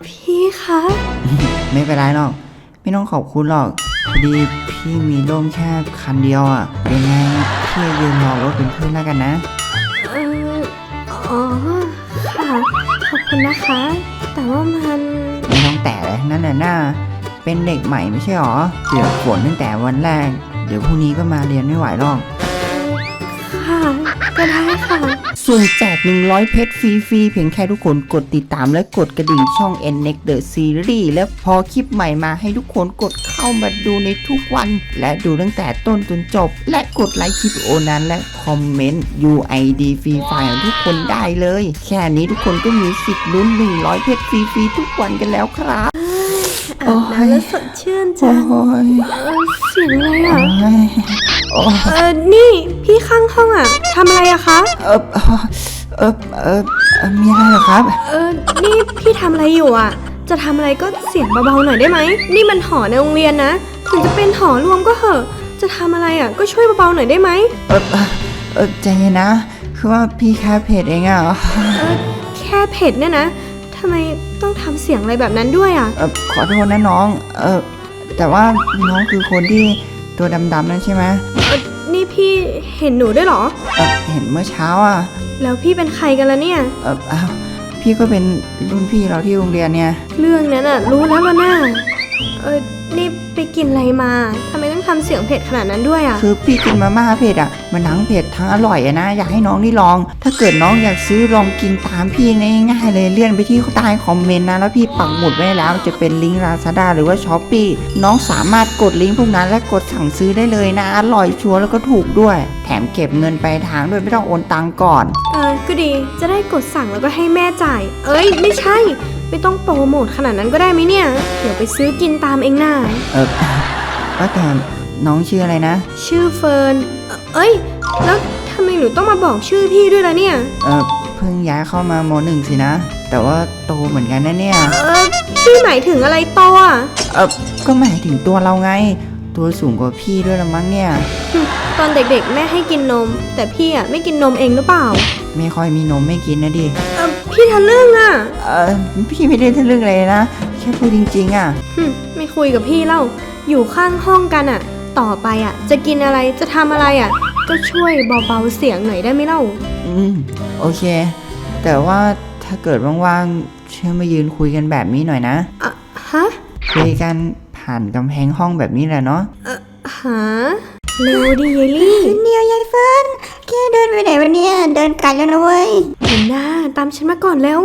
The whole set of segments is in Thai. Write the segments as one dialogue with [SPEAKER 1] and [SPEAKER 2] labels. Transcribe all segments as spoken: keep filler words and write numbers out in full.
[SPEAKER 1] พี่คะ
[SPEAKER 2] ไม่เป็นไรหรอกไม่ต้องขอบคุณหรอกพอดีพี่มีร่มแค่คันเดียวอ่ะยังไงพี่ยืนรอรถเป็นเพื่อนแล้วกันนะ
[SPEAKER 1] เอออ๋อค่ะขอบคุณนะคะ แต่ว่ามัน
[SPEAKER 2] ไม่ต้องแตะเลยนั่นน่ะหน้าเป็นเด็กใหม่ไม่ใช่หรอเปียกฝนตั้งแต่วันแรกเดี๋ยวพรุ่งนี้ก็มาเรียนไม่ไหวหรอก
[SPEAKER 1] ค่ะก็ได้ค่ะ
[SPEAKER 2] ส่วนแจกหนึ่งร้อยเพชรฟรีๆเพียงแค่ทุกคนกดติดตามและกดกระดิ่งช่อง เอ็น เน็กซ์ The Series และพอคลิปใหม่มาให้ทุกคนกดเข้ามาดูในทุกวัน และดูตั้งแต่ต้นจนจบ และกดไลค์คลิปวิดีโอนั้นและคอมเมนต์ ยู ไอ ดี ฟรีไฟล์ของทุกคนได้เลย แค่นี้ทุกคนก็มีสิทธิ์ลุ้นหนึ่งร้อยเพชรฟรีๆทุกวันกันแล้วครับ
[SPEAKER 1] อาบน้ำแล้วสดชื่นจังเออเสียงอะไรอ่ะเออนี่พี่ข้างห้องอ่ะทำอะไรอะคะ
[SPEAKER 2] เออเออเออมีอะไรเหรอครับ
[SPEAKER 1] เออนี่พี่ทำอะไรอยู่อ่ะจะทำอะไรก็เสียงเบาๆหน่อยได้ไหมนี่มันหอในโรงเรียนนะถึงจะเป็นหอรวมก็เหอะจะทำอะไรอ่ะก็ช่วยเบาๆหน่อยได้ไหม
[SPEAKER 2] เออเออใจเย็นนะคือว่าพี่แค่เพจเองอ่ะ
[SPEAKER 1] เออแค่เพจเนี่ยนะทำไมต้องทำเสียงอะไรแบบนั้นด้วยอ่ะ
[SPEAKER 2] เออขอโทษนะน้องเออแต่ว่าน้องคือคนที่ตัวดำๆนั่นใช่ไหม
[SPEAKER 1] เออนี่พี่เห็นหนูด้วยเหรอ
[SPEAKER 2] เออเห็นเมื่อเช้าอ่ะ
[SPEAKER 1] แล้วพี่เป็นใครกันล่ะเนี่ย
[SPEAKER 2] เอออ้าวพี่ก็เป็นรุ่นพี่เราที่โรงเรียนเนี่ย
[SPEAKER 1] เรื่องนั้นอ่ะรู้แล้วล่ะน่าเออนี่ไปกินอะไรมาทำไมต้องทำเสียงเผ็ดขนาดนั้นด้วยอ่ะ
[SPEAKER 2] คือพี่กินมาม่าเผ็ดอ่ะมันทั้งเผ็ดทั้งอร่อยอะนะอยากให้น้องได้ลองถ้าเกิดน้องอยากซื้อลองกินตามพี่ง่ายๆเลยเลื่อนไปที่ใต้คอมเมนต์นะแล้วพี่ปักหมุดไว้แล้วจะเป็นลิงก์ Lazada หรือว่า Shopee น้องสามารถกดลิงก์พวกนั้นและกดสั่งซื้อได้เลยนะอร่อยชัวร์แล้วก็ถูกด้วยแถมเก็บเงินปลายทางด้วยไม่ต้องโอนตังก่อน
[SPEAKER 1] เออก็ดีจะได้กดสั่งแล้วก็ให้แม่จ่ายเอ้ยไม่ใช่ไม่ต้องโปรโมทขนาดนั้นก็ได้ไหมเนี่ยเดี๋ยวไปซื้อกินตามเองน่า
[SPEAKER 2] เออว่าแต่น้องชื่ออะไรนะ
[SPEAKER 1] ชื่อเฟิร์นเอ้ยแล้วทำไมหนูต้องมาบอกชื่อพี่ด้วยล่ะเนี่ย
[SPEAKER 2] เออเพิ่งย้ายเข้ามามหนึ่งสินะแต่ว่าโตเหมือนกันนะเนี่ย
[SPEAKER 1] เออพี่หมายถึงอะไรโตอ่ะ
[SPEAKER 2] เออก็หมายถึงตัวเราไงตัวสูงกว่าพี่ด้วยละมั้งเนี่ย
[SPEAKER 1] ตอนเด็กๆแม่ให้กินนมแต่พี่อ่ะไม่กินนมเองหรือเปล่า
[SPEAKER 2] ไม่ค่อยมีนมไม่กินนะดิ
[SPEAKER 1] เออพี่ทะลึ่งอ่ะ
[SPEAKER 2] เออพี่ไม่ได้ทะลึ่งเลยนะแค่พูดจริงๆอ่ะ
[SPEAKER 1] ไม่คุยกับพี่เล่าอยู่ข้างห้องกันอ่ะต่อไปอ่ะจะกินอะไรจะทำอะไรอ่ะก็ช่วยเบาๆเสียงหน่อยได้ไหมเล่า
[SPEAKER 2] อืมโอเคแต่ว่าถ้าเกิดว่างๆเชื่อมายืนคุยกันแบบนี้หน่อยนะ
[SPEAKER 1] อ่ะฮะ
[SPEAKER 2] คุยกันผ่านกำแพงห้องแบบนี้แหละเนาะ
[SPEAKER 1] เออฮะเร็วดิเยลี่
[SPEAKER 3] เดี๋ยวยายเฟิร์นแกเดินไปไหนวะเนี่ยเดินไกลแล้วนะเว้ย
[SPEAKER 1] เห็นหน้าตามฉันมาก่อนเร็ว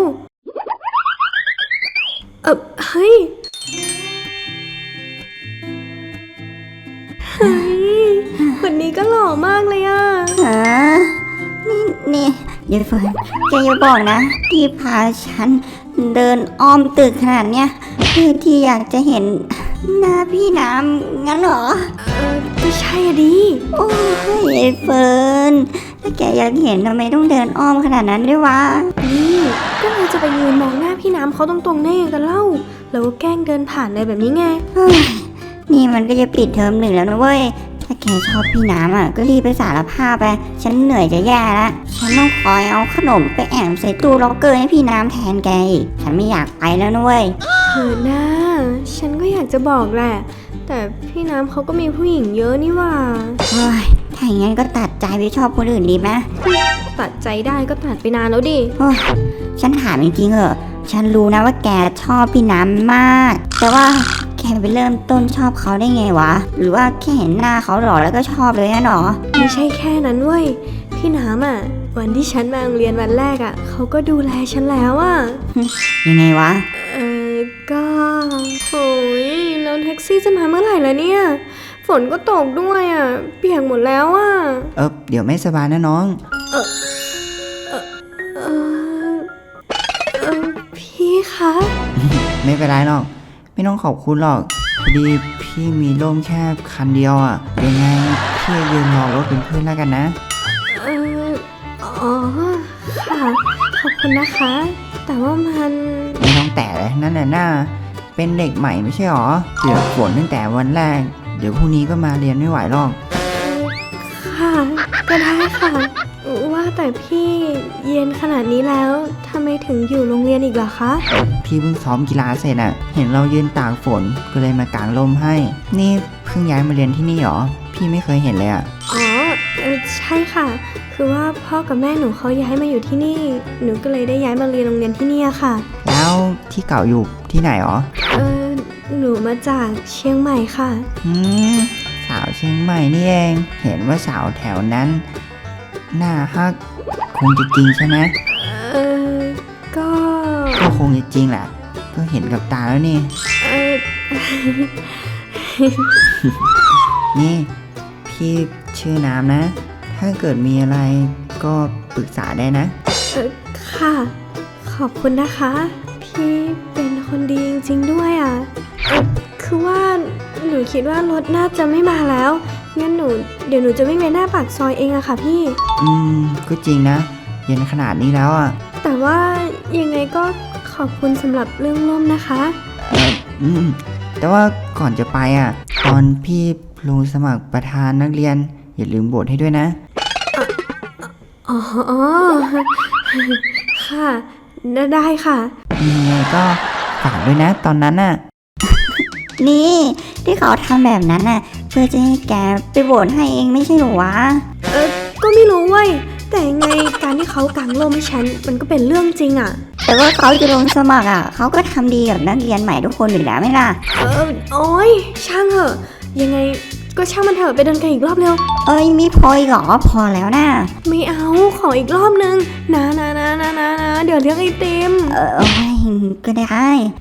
[SPEAKER 1] เออเฮ้ยเฮ้ยคนนี้ก็หล่อมากเลยอ่ะ
[SPEAKER 3] ฮะนี่นี่ยายเฟิร์นแกอย่าบอกนะที่พาฉันเดินอ้อมตึกขนาดเนี้ยเพื่อที่อยากจะเห็นหน้าพี่น้ำงั้นเหรอ
[SPEAKER 1] เออก็ใช่อะดิ
[SPEAKER 3] โอ้ยยายเฟิร์นถ้าแกอยากเห็นทำไมต้องเดินอ้อมขนาดนั้นด้วยวะ
[SPEAKER 1] นี่ก็เราจะไปยืนมองหน้าพี่น้ำเขาตรงๆแน่กันเล่าแล้วก็แกล้งเดินผ่านอะไรแบบนี้ไง
[SPEAKER 3] นี่มันก็จะปิดเทอมหนึ่งแล้วนะเว้ยถ้าแกชอบพี่น้ำอ่ะก็รีบไปสารภาพไปฉันเหนื่อยจะแย่แล้วฉันต้องคอยเอาขนมไปแอบใส่ตู้ล็อกเกอร์ให้พี่น้ำแทนแกอีกฉันไม่อยากไปแล้วนะเว้ย
[SPEAKER 1] เฮ้ยนะฉันก็อยากจะบอกแหละแต่พี่น้ำเขาก็มีผู้หญิงเยอะนี่ว่า
[SPEAKER 3] เฮ้ยถ้าอย่างนั้นก็ตัดใจไปชอบคนอื่นดีไหม
[SPEAKER 1] ตัดใจได้ก็ตัดไปนานแล้วดิ
[SPEAKER 3] ฉันถามจริงๆเหอะฉันรู้นะว่าแกชอบพี่น้ำมากแต่ว่าแกไปเริ่มต้นชอบเขาได้ไงวะหรือว่าแค่เห็นหน้าเขาหล่อแล้วก็ชอบเลยนะหรอ
[SPEAKER 1] ไม่ใช่แค่นั้นเว้ยพี่น้ำอ่ะวันที่ฉันมาโรงเรียนวันแรกอ่ะเขาก็ดูแลฉันแล้วอ่ะ
[SPEAKER 3] ยังไงวะ
[SPEAKER 1] เออก็โอ้ยแล้วแท็กซี่จะมาเมื่อไหร่ล่ะเนี่ยฝนก็ตกด้วยอ่ะเปียกหมดแล้วอ่ะ
[SPEAKER 2] เออเดี๋ยวไม่สบายนะน้อง
[SPEAKER 1] เออเออเออเออพี่คะ
[SPEAKER 2] ไม่เป็นไรหรอกไม่ต้องขอบคุณหรอกพอดีพี่มีร่มแค่คันเดียวอ่ะยังไงพี่ยืนรอรถเป็นเพื่อนแล้วกันนะ
[SPEAKER 1] เอออ๋อค่ะขอบคุณนะคะแต่ว่ามัน
[SPEAKER 2] ไม่ต้องแตะเลยนั่นน่ะหน้าเป็นเด็กใหม่ไม่ใช่หรอเปียกฝนตั้งแต่วันแรกเดี๋ยวพรุ่งนี้ก็มาเรียนไม่ไหวหรอก
[SPEAKER 1] ค่ะก็ได้ค่ะว่าแต่พี่เย็นขนาดนี้แล้วทำไมถึงอยู่โรงเรียนอีกเหรอคะ
[SPEAKER 2] พี่เพิ่งซ้อมกีฬาเสร็จอะเห็นเรายืนตากฝนก็เลยมากางร่มให้ นี่เพิ่งย้ายมาเรียนที่นี่หรอ พี่ไม่เคยเห็นเลยอะ
[SPEAKER 1] อ๋อเออใช่ค่ะ คือว่าพ่อกับแม่หนูเขาย้ายมาอยู่ที่นี่ หนูก็เลยได้ย้ายมาเรียนโรงเรียนที่นี่อะค่ะ
[SPEAKER 2] แล้วที่เก่าอยู่ที่ไหนหรอ
[SPEAKER 1] เออหนูมาจากเชียงใหม่ค่ะ
[SPEAKER 2] อืมสาวเชียงใหม่นี่เอง เห็นว่าสาวแถวนั้นหน้าฮักคงจะจริงใช่ไหม
[SPEAKER 1] เออก็
[SPEAKER 2] ก็คงจะจริงแหละ ก็เห็นกับตาแล้วนี่
[SPEAKER 1] เออ
[SPEAKER 2] นี่พี่ชื่อน้ำนะ ถ้าเกิดมีอะไรก็ปรึกษาได้นะ
[SPEAKER 1] เออค่ะ ขอบคุณนะคะ พี่เป็นคนดีจริงๆด้วยอ่ะเออคือว่าหนูคิดว่ารถน่าจะไม่มาแล้ว งั้นหนูเดี๋ยวหนูจะวิ่งไปหน้าปากซอยเองอะค่ะพี่
[SPEAKER 2] อืม ก็จริงนะ เย็นขนาดนี้แล้วอ่ะ
[SPEAKER 1] แต่ว่ายังไงก็ขอบคุณสำหรับเรื่องร่มนะคะ
[SPEAKER 2] อืม แต่ว่าก่อนจะไปอ่ะ ตอนพี่ลงสมัครประธานนักเรียน อย่าลืมโบทให้ด้วยนะ
[SPEAKER 1] อ๋อ ค่ะ ได้ค่ะ
[SPEAKER 2] ยังไงก็ฝากด้วยนะตอนนั้นน่ะ
[SPEAKER 3] นี่ที่เขาทำแบบนั้นน่ะเพื่อจะให้แกไปโหวตให้เองไม่ใช่เหรอวะ
[SPEAKER 1] เออก็ไม่รู้เว้ย แต่ยังไงการที่เขากางร่มให้ฉันมันก็เป็นเรื่องจริงอะ
[SPEAKER 3] แต่ว่าเขาจะลงสมัครอ่ะเขาก็ทำดีกับนักเรียนใหม่ทุกคนอยู่แล้วไหมล่ะ
[SPEAKER 1] เออโอ้ยช่างเหอะ ยังไงก็ช่างมันเถอะไปเดินกันอีกรอบเร็ว
[SPEAKER 3] เอ้ยมีพออีกเหรอพอแล้วนะ
[SPEAKER 1] ไม่เอาขออีกรอบนึงนะนะนะนะนะนะเดี๋ยวเลี้ยงไอติม
[SPEAKER 3] เออโอ้ยก็ได้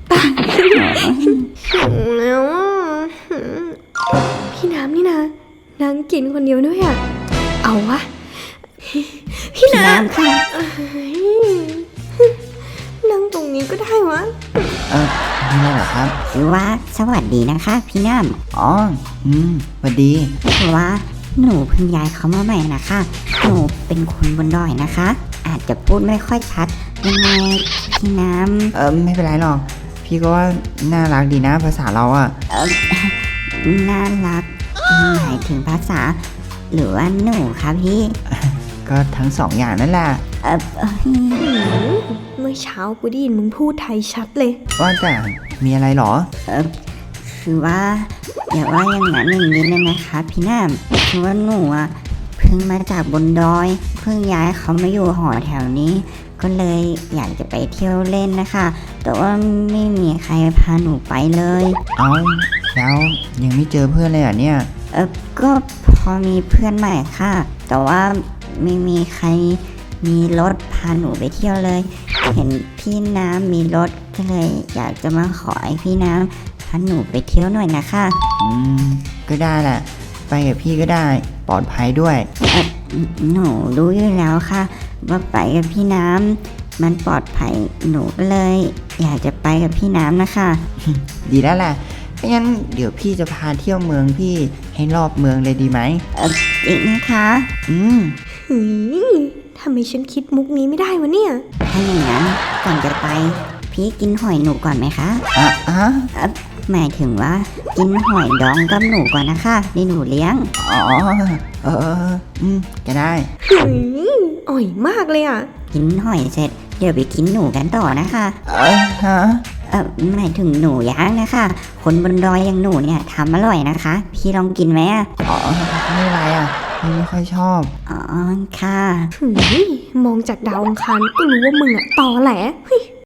[SPEAKER 1] หิวแล้วอะหืมพี่น้ำนี่นะนางกินคนเดียวด้วยอะเอาวะ พี่น้
[SPEAKER 3] น้ำค่ะ
[SPEAKER 1] ำเอ้ยนั่งตรงนี้ก็ได้วะ
[SPEAKER 2] เออมีอะไรเหรอครับ
[SPEAKER 3] คือว่าสวัสดีนะคะ พี่น้
[SPEAKER 2] อ๋อ อืมสวัสดี
[SPEAKER 3] ำคือว่าหนูเพิ่งย้ายเขามาใหม่นะคะหนูเป็นคนบนดอยนะคะ อาจจะพูดไม่ค่อยชัดยังไงพี่น้
[SPEAKER 2] เออไม่เป็นไรหรอก พี่ก็ว่าน่ารักดีนะภาษาเราอ่ะ
[SPEAKER 3] ำเออน่ารักหมายถึงภาษา หรือว่าหนูคะพี่
[SPEAKER 2] ก็ทั้งสองอย่างนั่นแหละ
[SPEAKER 3] เออเอ้ย
[SPEAKER 1] หืมเมื่อเช้ากูได้ยินมึงพูดไทยชัดเลย
[SPEAKER 2] ว่าแต่มีอะไรหรอ
[SPEAKER 3] เออคือว่าอย่าว่าอย่างนั้นอย่างนี้เลยนะคะพี่น้ำคือว่าหนูอ่ะเพิ่งมาจากบนดอย เพิ่งย้ายเขามาอยู่หอแถวนี้ ก็เลยอยากจะไปเที่ยวเล่นนะคะ แต่ว่าไม่มีใครพาหนูไปเลย
[SPEAKER 2] เอาแล้วยังไม่เจอเพื่อนเลยเหรอ่ะเนี่ย
[SPEAKER 3] เออก็พอมีเพื่อนใหม่ค่ะ แต่ว่าไม่มีใครมีรถพาหนูไปเที่ยวเลย เห็นพี่น้ำมีรถก็เลยอยากจะมาขอให้พี่น้ำพาหนูไปเที่ยวหน่อยนะคะ
[SPEAKER 2] อืม ก็ได้แหละ ไปกับพี่ก็ได้ ปลอดภัยด้วย
[SPEAKER 3] เออหนูรู้อยู่แล้วค่ะ ว่าไปกับพี่น้ำมันปลอดภัยหนูก็เลย อยากจะไปกับพี่น้ำนะคะ
[SPEAKER 2] ดีแล้วแหละไม่งั้นเดี๋ยวพี่จะพาเที่ยวเมืองพี่ให้รอบเมืองเลยดีไหม
[SPEAKER 3] จริงนะคะ
[SPEAKER 2] อืม
[SPEAKER 1] หืมทำไมฉันคิดมุกนี้ไม่ได้วะเนี่ย
[SPEAKER 3] ถ้าอย่างนั้นก่อนจะไป พี่กินหอยหนูก่อนไหมคะ
[SPEAKER 2] อ่ะอ่ะ
[SPEAKER 3] หมายถึงว่ากินหอยดองกับหนูก่อนนะคะนี่หนูเลี้ยง
[SPEAKER 2] อ๋อ เออเอออืม ก็ได้
[SPEAKER 1] หืมอ่อยมากเลยอ่ะ
[SPEAKER 3] กินหอยเสร็จเดี๋ยวไปกินหนูกันต่อนะคะ
[SPEAKER 2] เออฮะ
[SPEAKER 3] เออหมายถึงหนูย่างนะคะ คนบนดอยอย่างหนูเนี่ยทำอร่อยนะคะ พี่ลองกินไหมอะ
[SPEAKER 2] อ๋อ ไม่เป็นไรอ่ะพี่ไม่ค่อยชอบ
[SPEAKER 3] อ๋อค่ะ
[SPEAKER 1] หืมมองจากดาวอังคารก็รู้ว่ามึงอะตอแหลเฮ้ย